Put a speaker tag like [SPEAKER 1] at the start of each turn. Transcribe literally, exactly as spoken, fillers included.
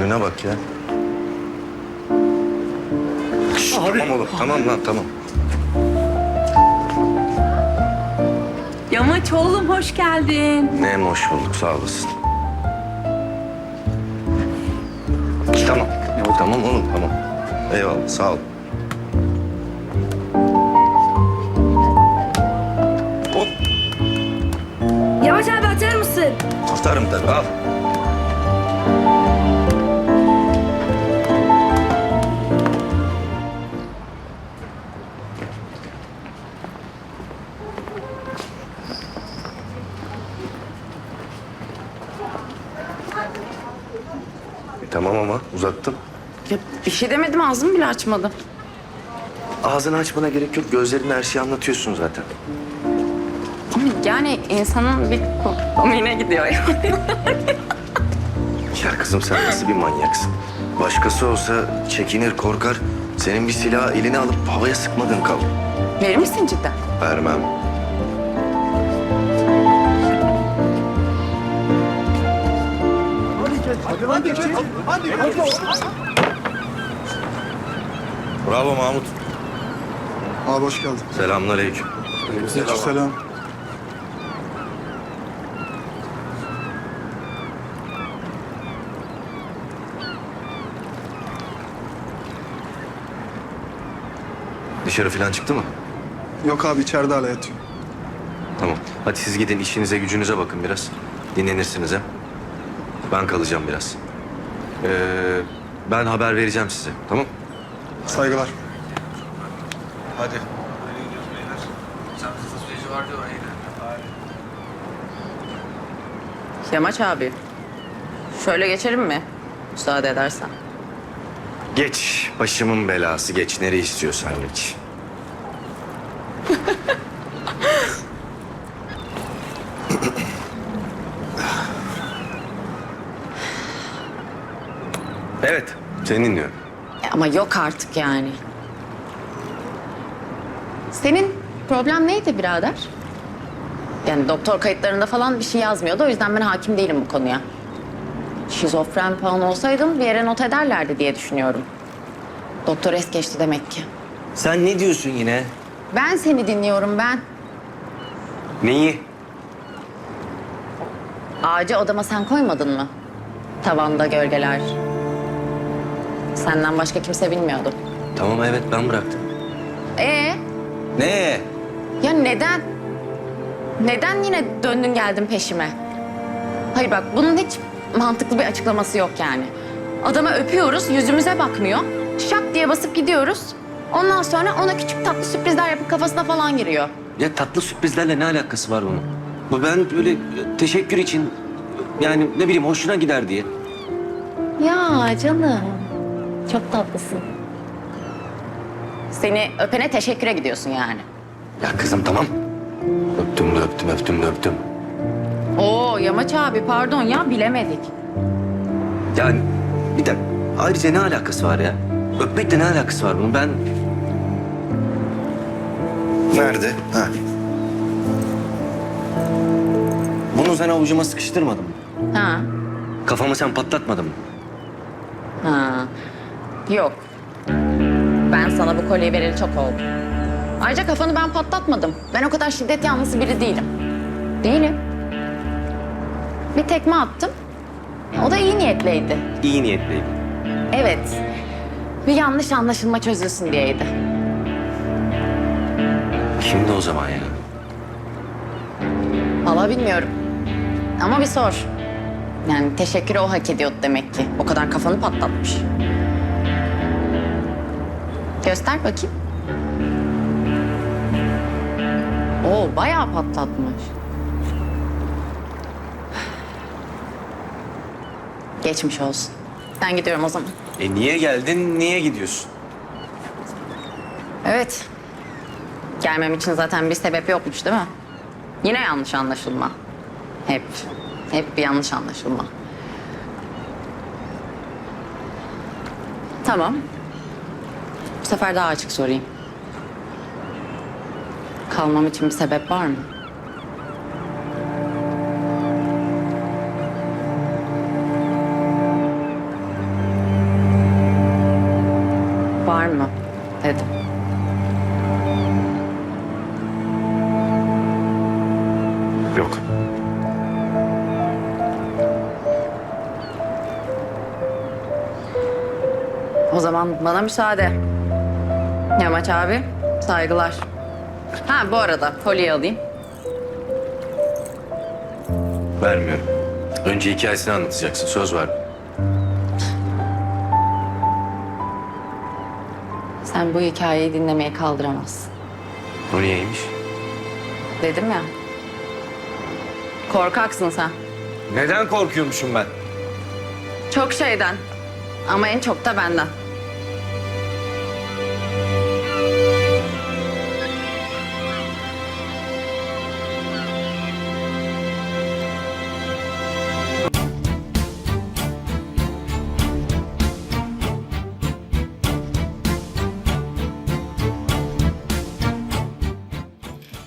[SPEAKER 1] Haline bak ya. Şşş, tamam oğlum, tamam lan, tamam.
[SPEAKER 2] Yamaç oğlum hoş geldin.
[SPEAKER 1] Ne hoş bulduk, sağ olasın. Tamam, tamam oğlum, tamam. Eyvallah, sağ ol. Hop,
[SPEAKER 3] Yavaş abi atar mısın?
[SPEAKER 1] atarım tabii, al. E, tamam ama uzattım.
[SPEAKER 2] Ya bir şey demedim ağzımı bile açmadım.
[SPEAKER 1] Ağzını açmana gerek yok. Gözlerinle her şeyi anlatıyorsun zaten.
[SPEAKER 2] Ama yani insanın bir komiğine gidiyor ya.
[SPEAKER 1] Ya kızım sen nasıl bir manyaksın? Başkası olsa çekinir, korkar. Senin bir silahı eline alıp havaya sıkmadığın kalır.
[SPEAKER 2] Verir misin cidden?
[SPEAKER 1] Vermem. Bravo Mahmut.
[SPEAKER 4] Abi hoş geldin.
[SPEAKER 1] Selamünaleyküm.
[SPEAKER 4] Selam.
[SPEAKER 1] Dışarı falan çıktı mı?
[SPEAKER 4] Yok abi içeride hala yatıyor.
[SPEAKER 1] Tamam. Hadi siz gidin işinize gücünüze bakın biraz. Dinlenirsiniz hem. Ben kalacağım biraz. Ee, ben haber vereceğim size. Tamam?
[SPEAKER 4] Saygılar.
[SPEAKER 1] Hadi.
[SPEAKER 2] Yamaç abi. Şöyle geçelim mi? Müsaade edersen.
[SPEAKER 1] Geç. Başımın belası. Geç. Nereye istiyorsan geç. Evet. Seni dinliyorum.
[SPEAKER 2] Ya ama yok artık yani. Senin problem neydi birader? Yani doktor kayıtlarında falan bir şey yazmıyordu. O yüzden ben hakim değilim bu konuya. Şizofren falan olsaydım bir yere not ederlerdi diye düşünüyorum. Doktor es geçti demek ki.
[SPEAKER 1] Sen ne diyorsun yine?
[SPEAKER 2] Ben seni dinliyorum ben.
[SPEAKER 1] Neyi?
[SPEAKER 2] Ağacı odama sen koymadın mı? Tavanda gölgeler. Senden başka kimse bilmiyordu.
[SPEAKER 1] Tamam evet ben bıraktım.
[SPEAKER 2] Ee,
[SPEAKER 1] Ne?
[SPEAKER 2] ya neden? Neden yine döndün geldin peşime? Hayır bak bunun hiç mantıklı bir açıklaması yok yani. Adama öpüyoruz, yüzümüze bakmıyor. Şak diye basıp gidiyoruz. Ondan sonra ona küçük tatlı sürprizler yapıp kafasına falan giriyor.
[SPEAKER 5] Ya tatlı sürprizlerle ne alakası var bunun? Bu ben böyle teşekkür için yani ne bileyim hoşuna gider diye.
[SPEAKER 2] Ya canım, çok tatlısın. Seni öpene teşekküre gidiyorsun yani.
[SPEAKER 1] Ya kızım tamam. Öptüm de öptüm, öptüm de öptüm.
[SPEAKER 2] Oo Yamaç abi pardon ya bilemedik.
[SPEAKER 5] Yani bir dakika ayrıca ne alakası var ya? Öpmekle ne alakası var bunun? Ben
[SPEAKER 1] Nerede? Ha.
[SPEAKER 5] bunu sen avucuma sıkıştırmadın mı?
[SPEAKER 2] Ha,
[SPEAKER 5] Kafamı sen patlatmadın mı?
[SPEAKER 2] ha. Yok. Ben sana bu kolyeyi vereli çok oldu. Ayrıca kafanı ben patlatmadım. Ben o kadar şiddet yanlısı biri değilim. Değilim. Bir tekme attım. O da iyi niyetliydi.
[SPEAKER 5] İyi niyetliydi.
[SPEAKER 2] Evet. Bir yanlış anlaşılma çözülsün diyeydi.
[SPEAKER 5] Kimdi o zaman ya?
[SPEAKER 2] Vallahi bilmiyorum. Ama bir sor. Yani teşekkürü o hak ediyordu demek ki. O kadar kafanı patlatmış. Göster bakayım. Oo bayağı patlatmış. Geçmiş olsun. Ben gidiyorum o zaman.
[SPEAKER 5] E niye geldin, niye gidiyorsun?
[SPEAKER 2] Evet. Gelmem için zaten bir sebep yokmuş değil mi? Yine yanlış anlaşılma. Hep, hep bir yanlış anlaşılma. Tamam. Bu sefer daha açık sorayım. Kalmam için bir sebep var mı?
[SPEAKER 1] Yok.
[SPEAKER 2] O zaman bana müsaade. Yamaç abi, saygılar. Ha bu arada kolyeyi alayım.
[SPEAKER 1] Vermiyorum. Önce hikayesini anlatacaksın. Söz var.
[SPEAKER 2] Sen bu hikayeyi dinlemeye kaldıramazsın.
[SPEAKER 1] O niyeymiş?
[SPEAKER 2] Dedim ya. Korkaksın sen.
[SPEAKER 5] Neden korkuyormuşum ben?
[SPEAKER 2] Çok şeyden. Ama en çok da benden.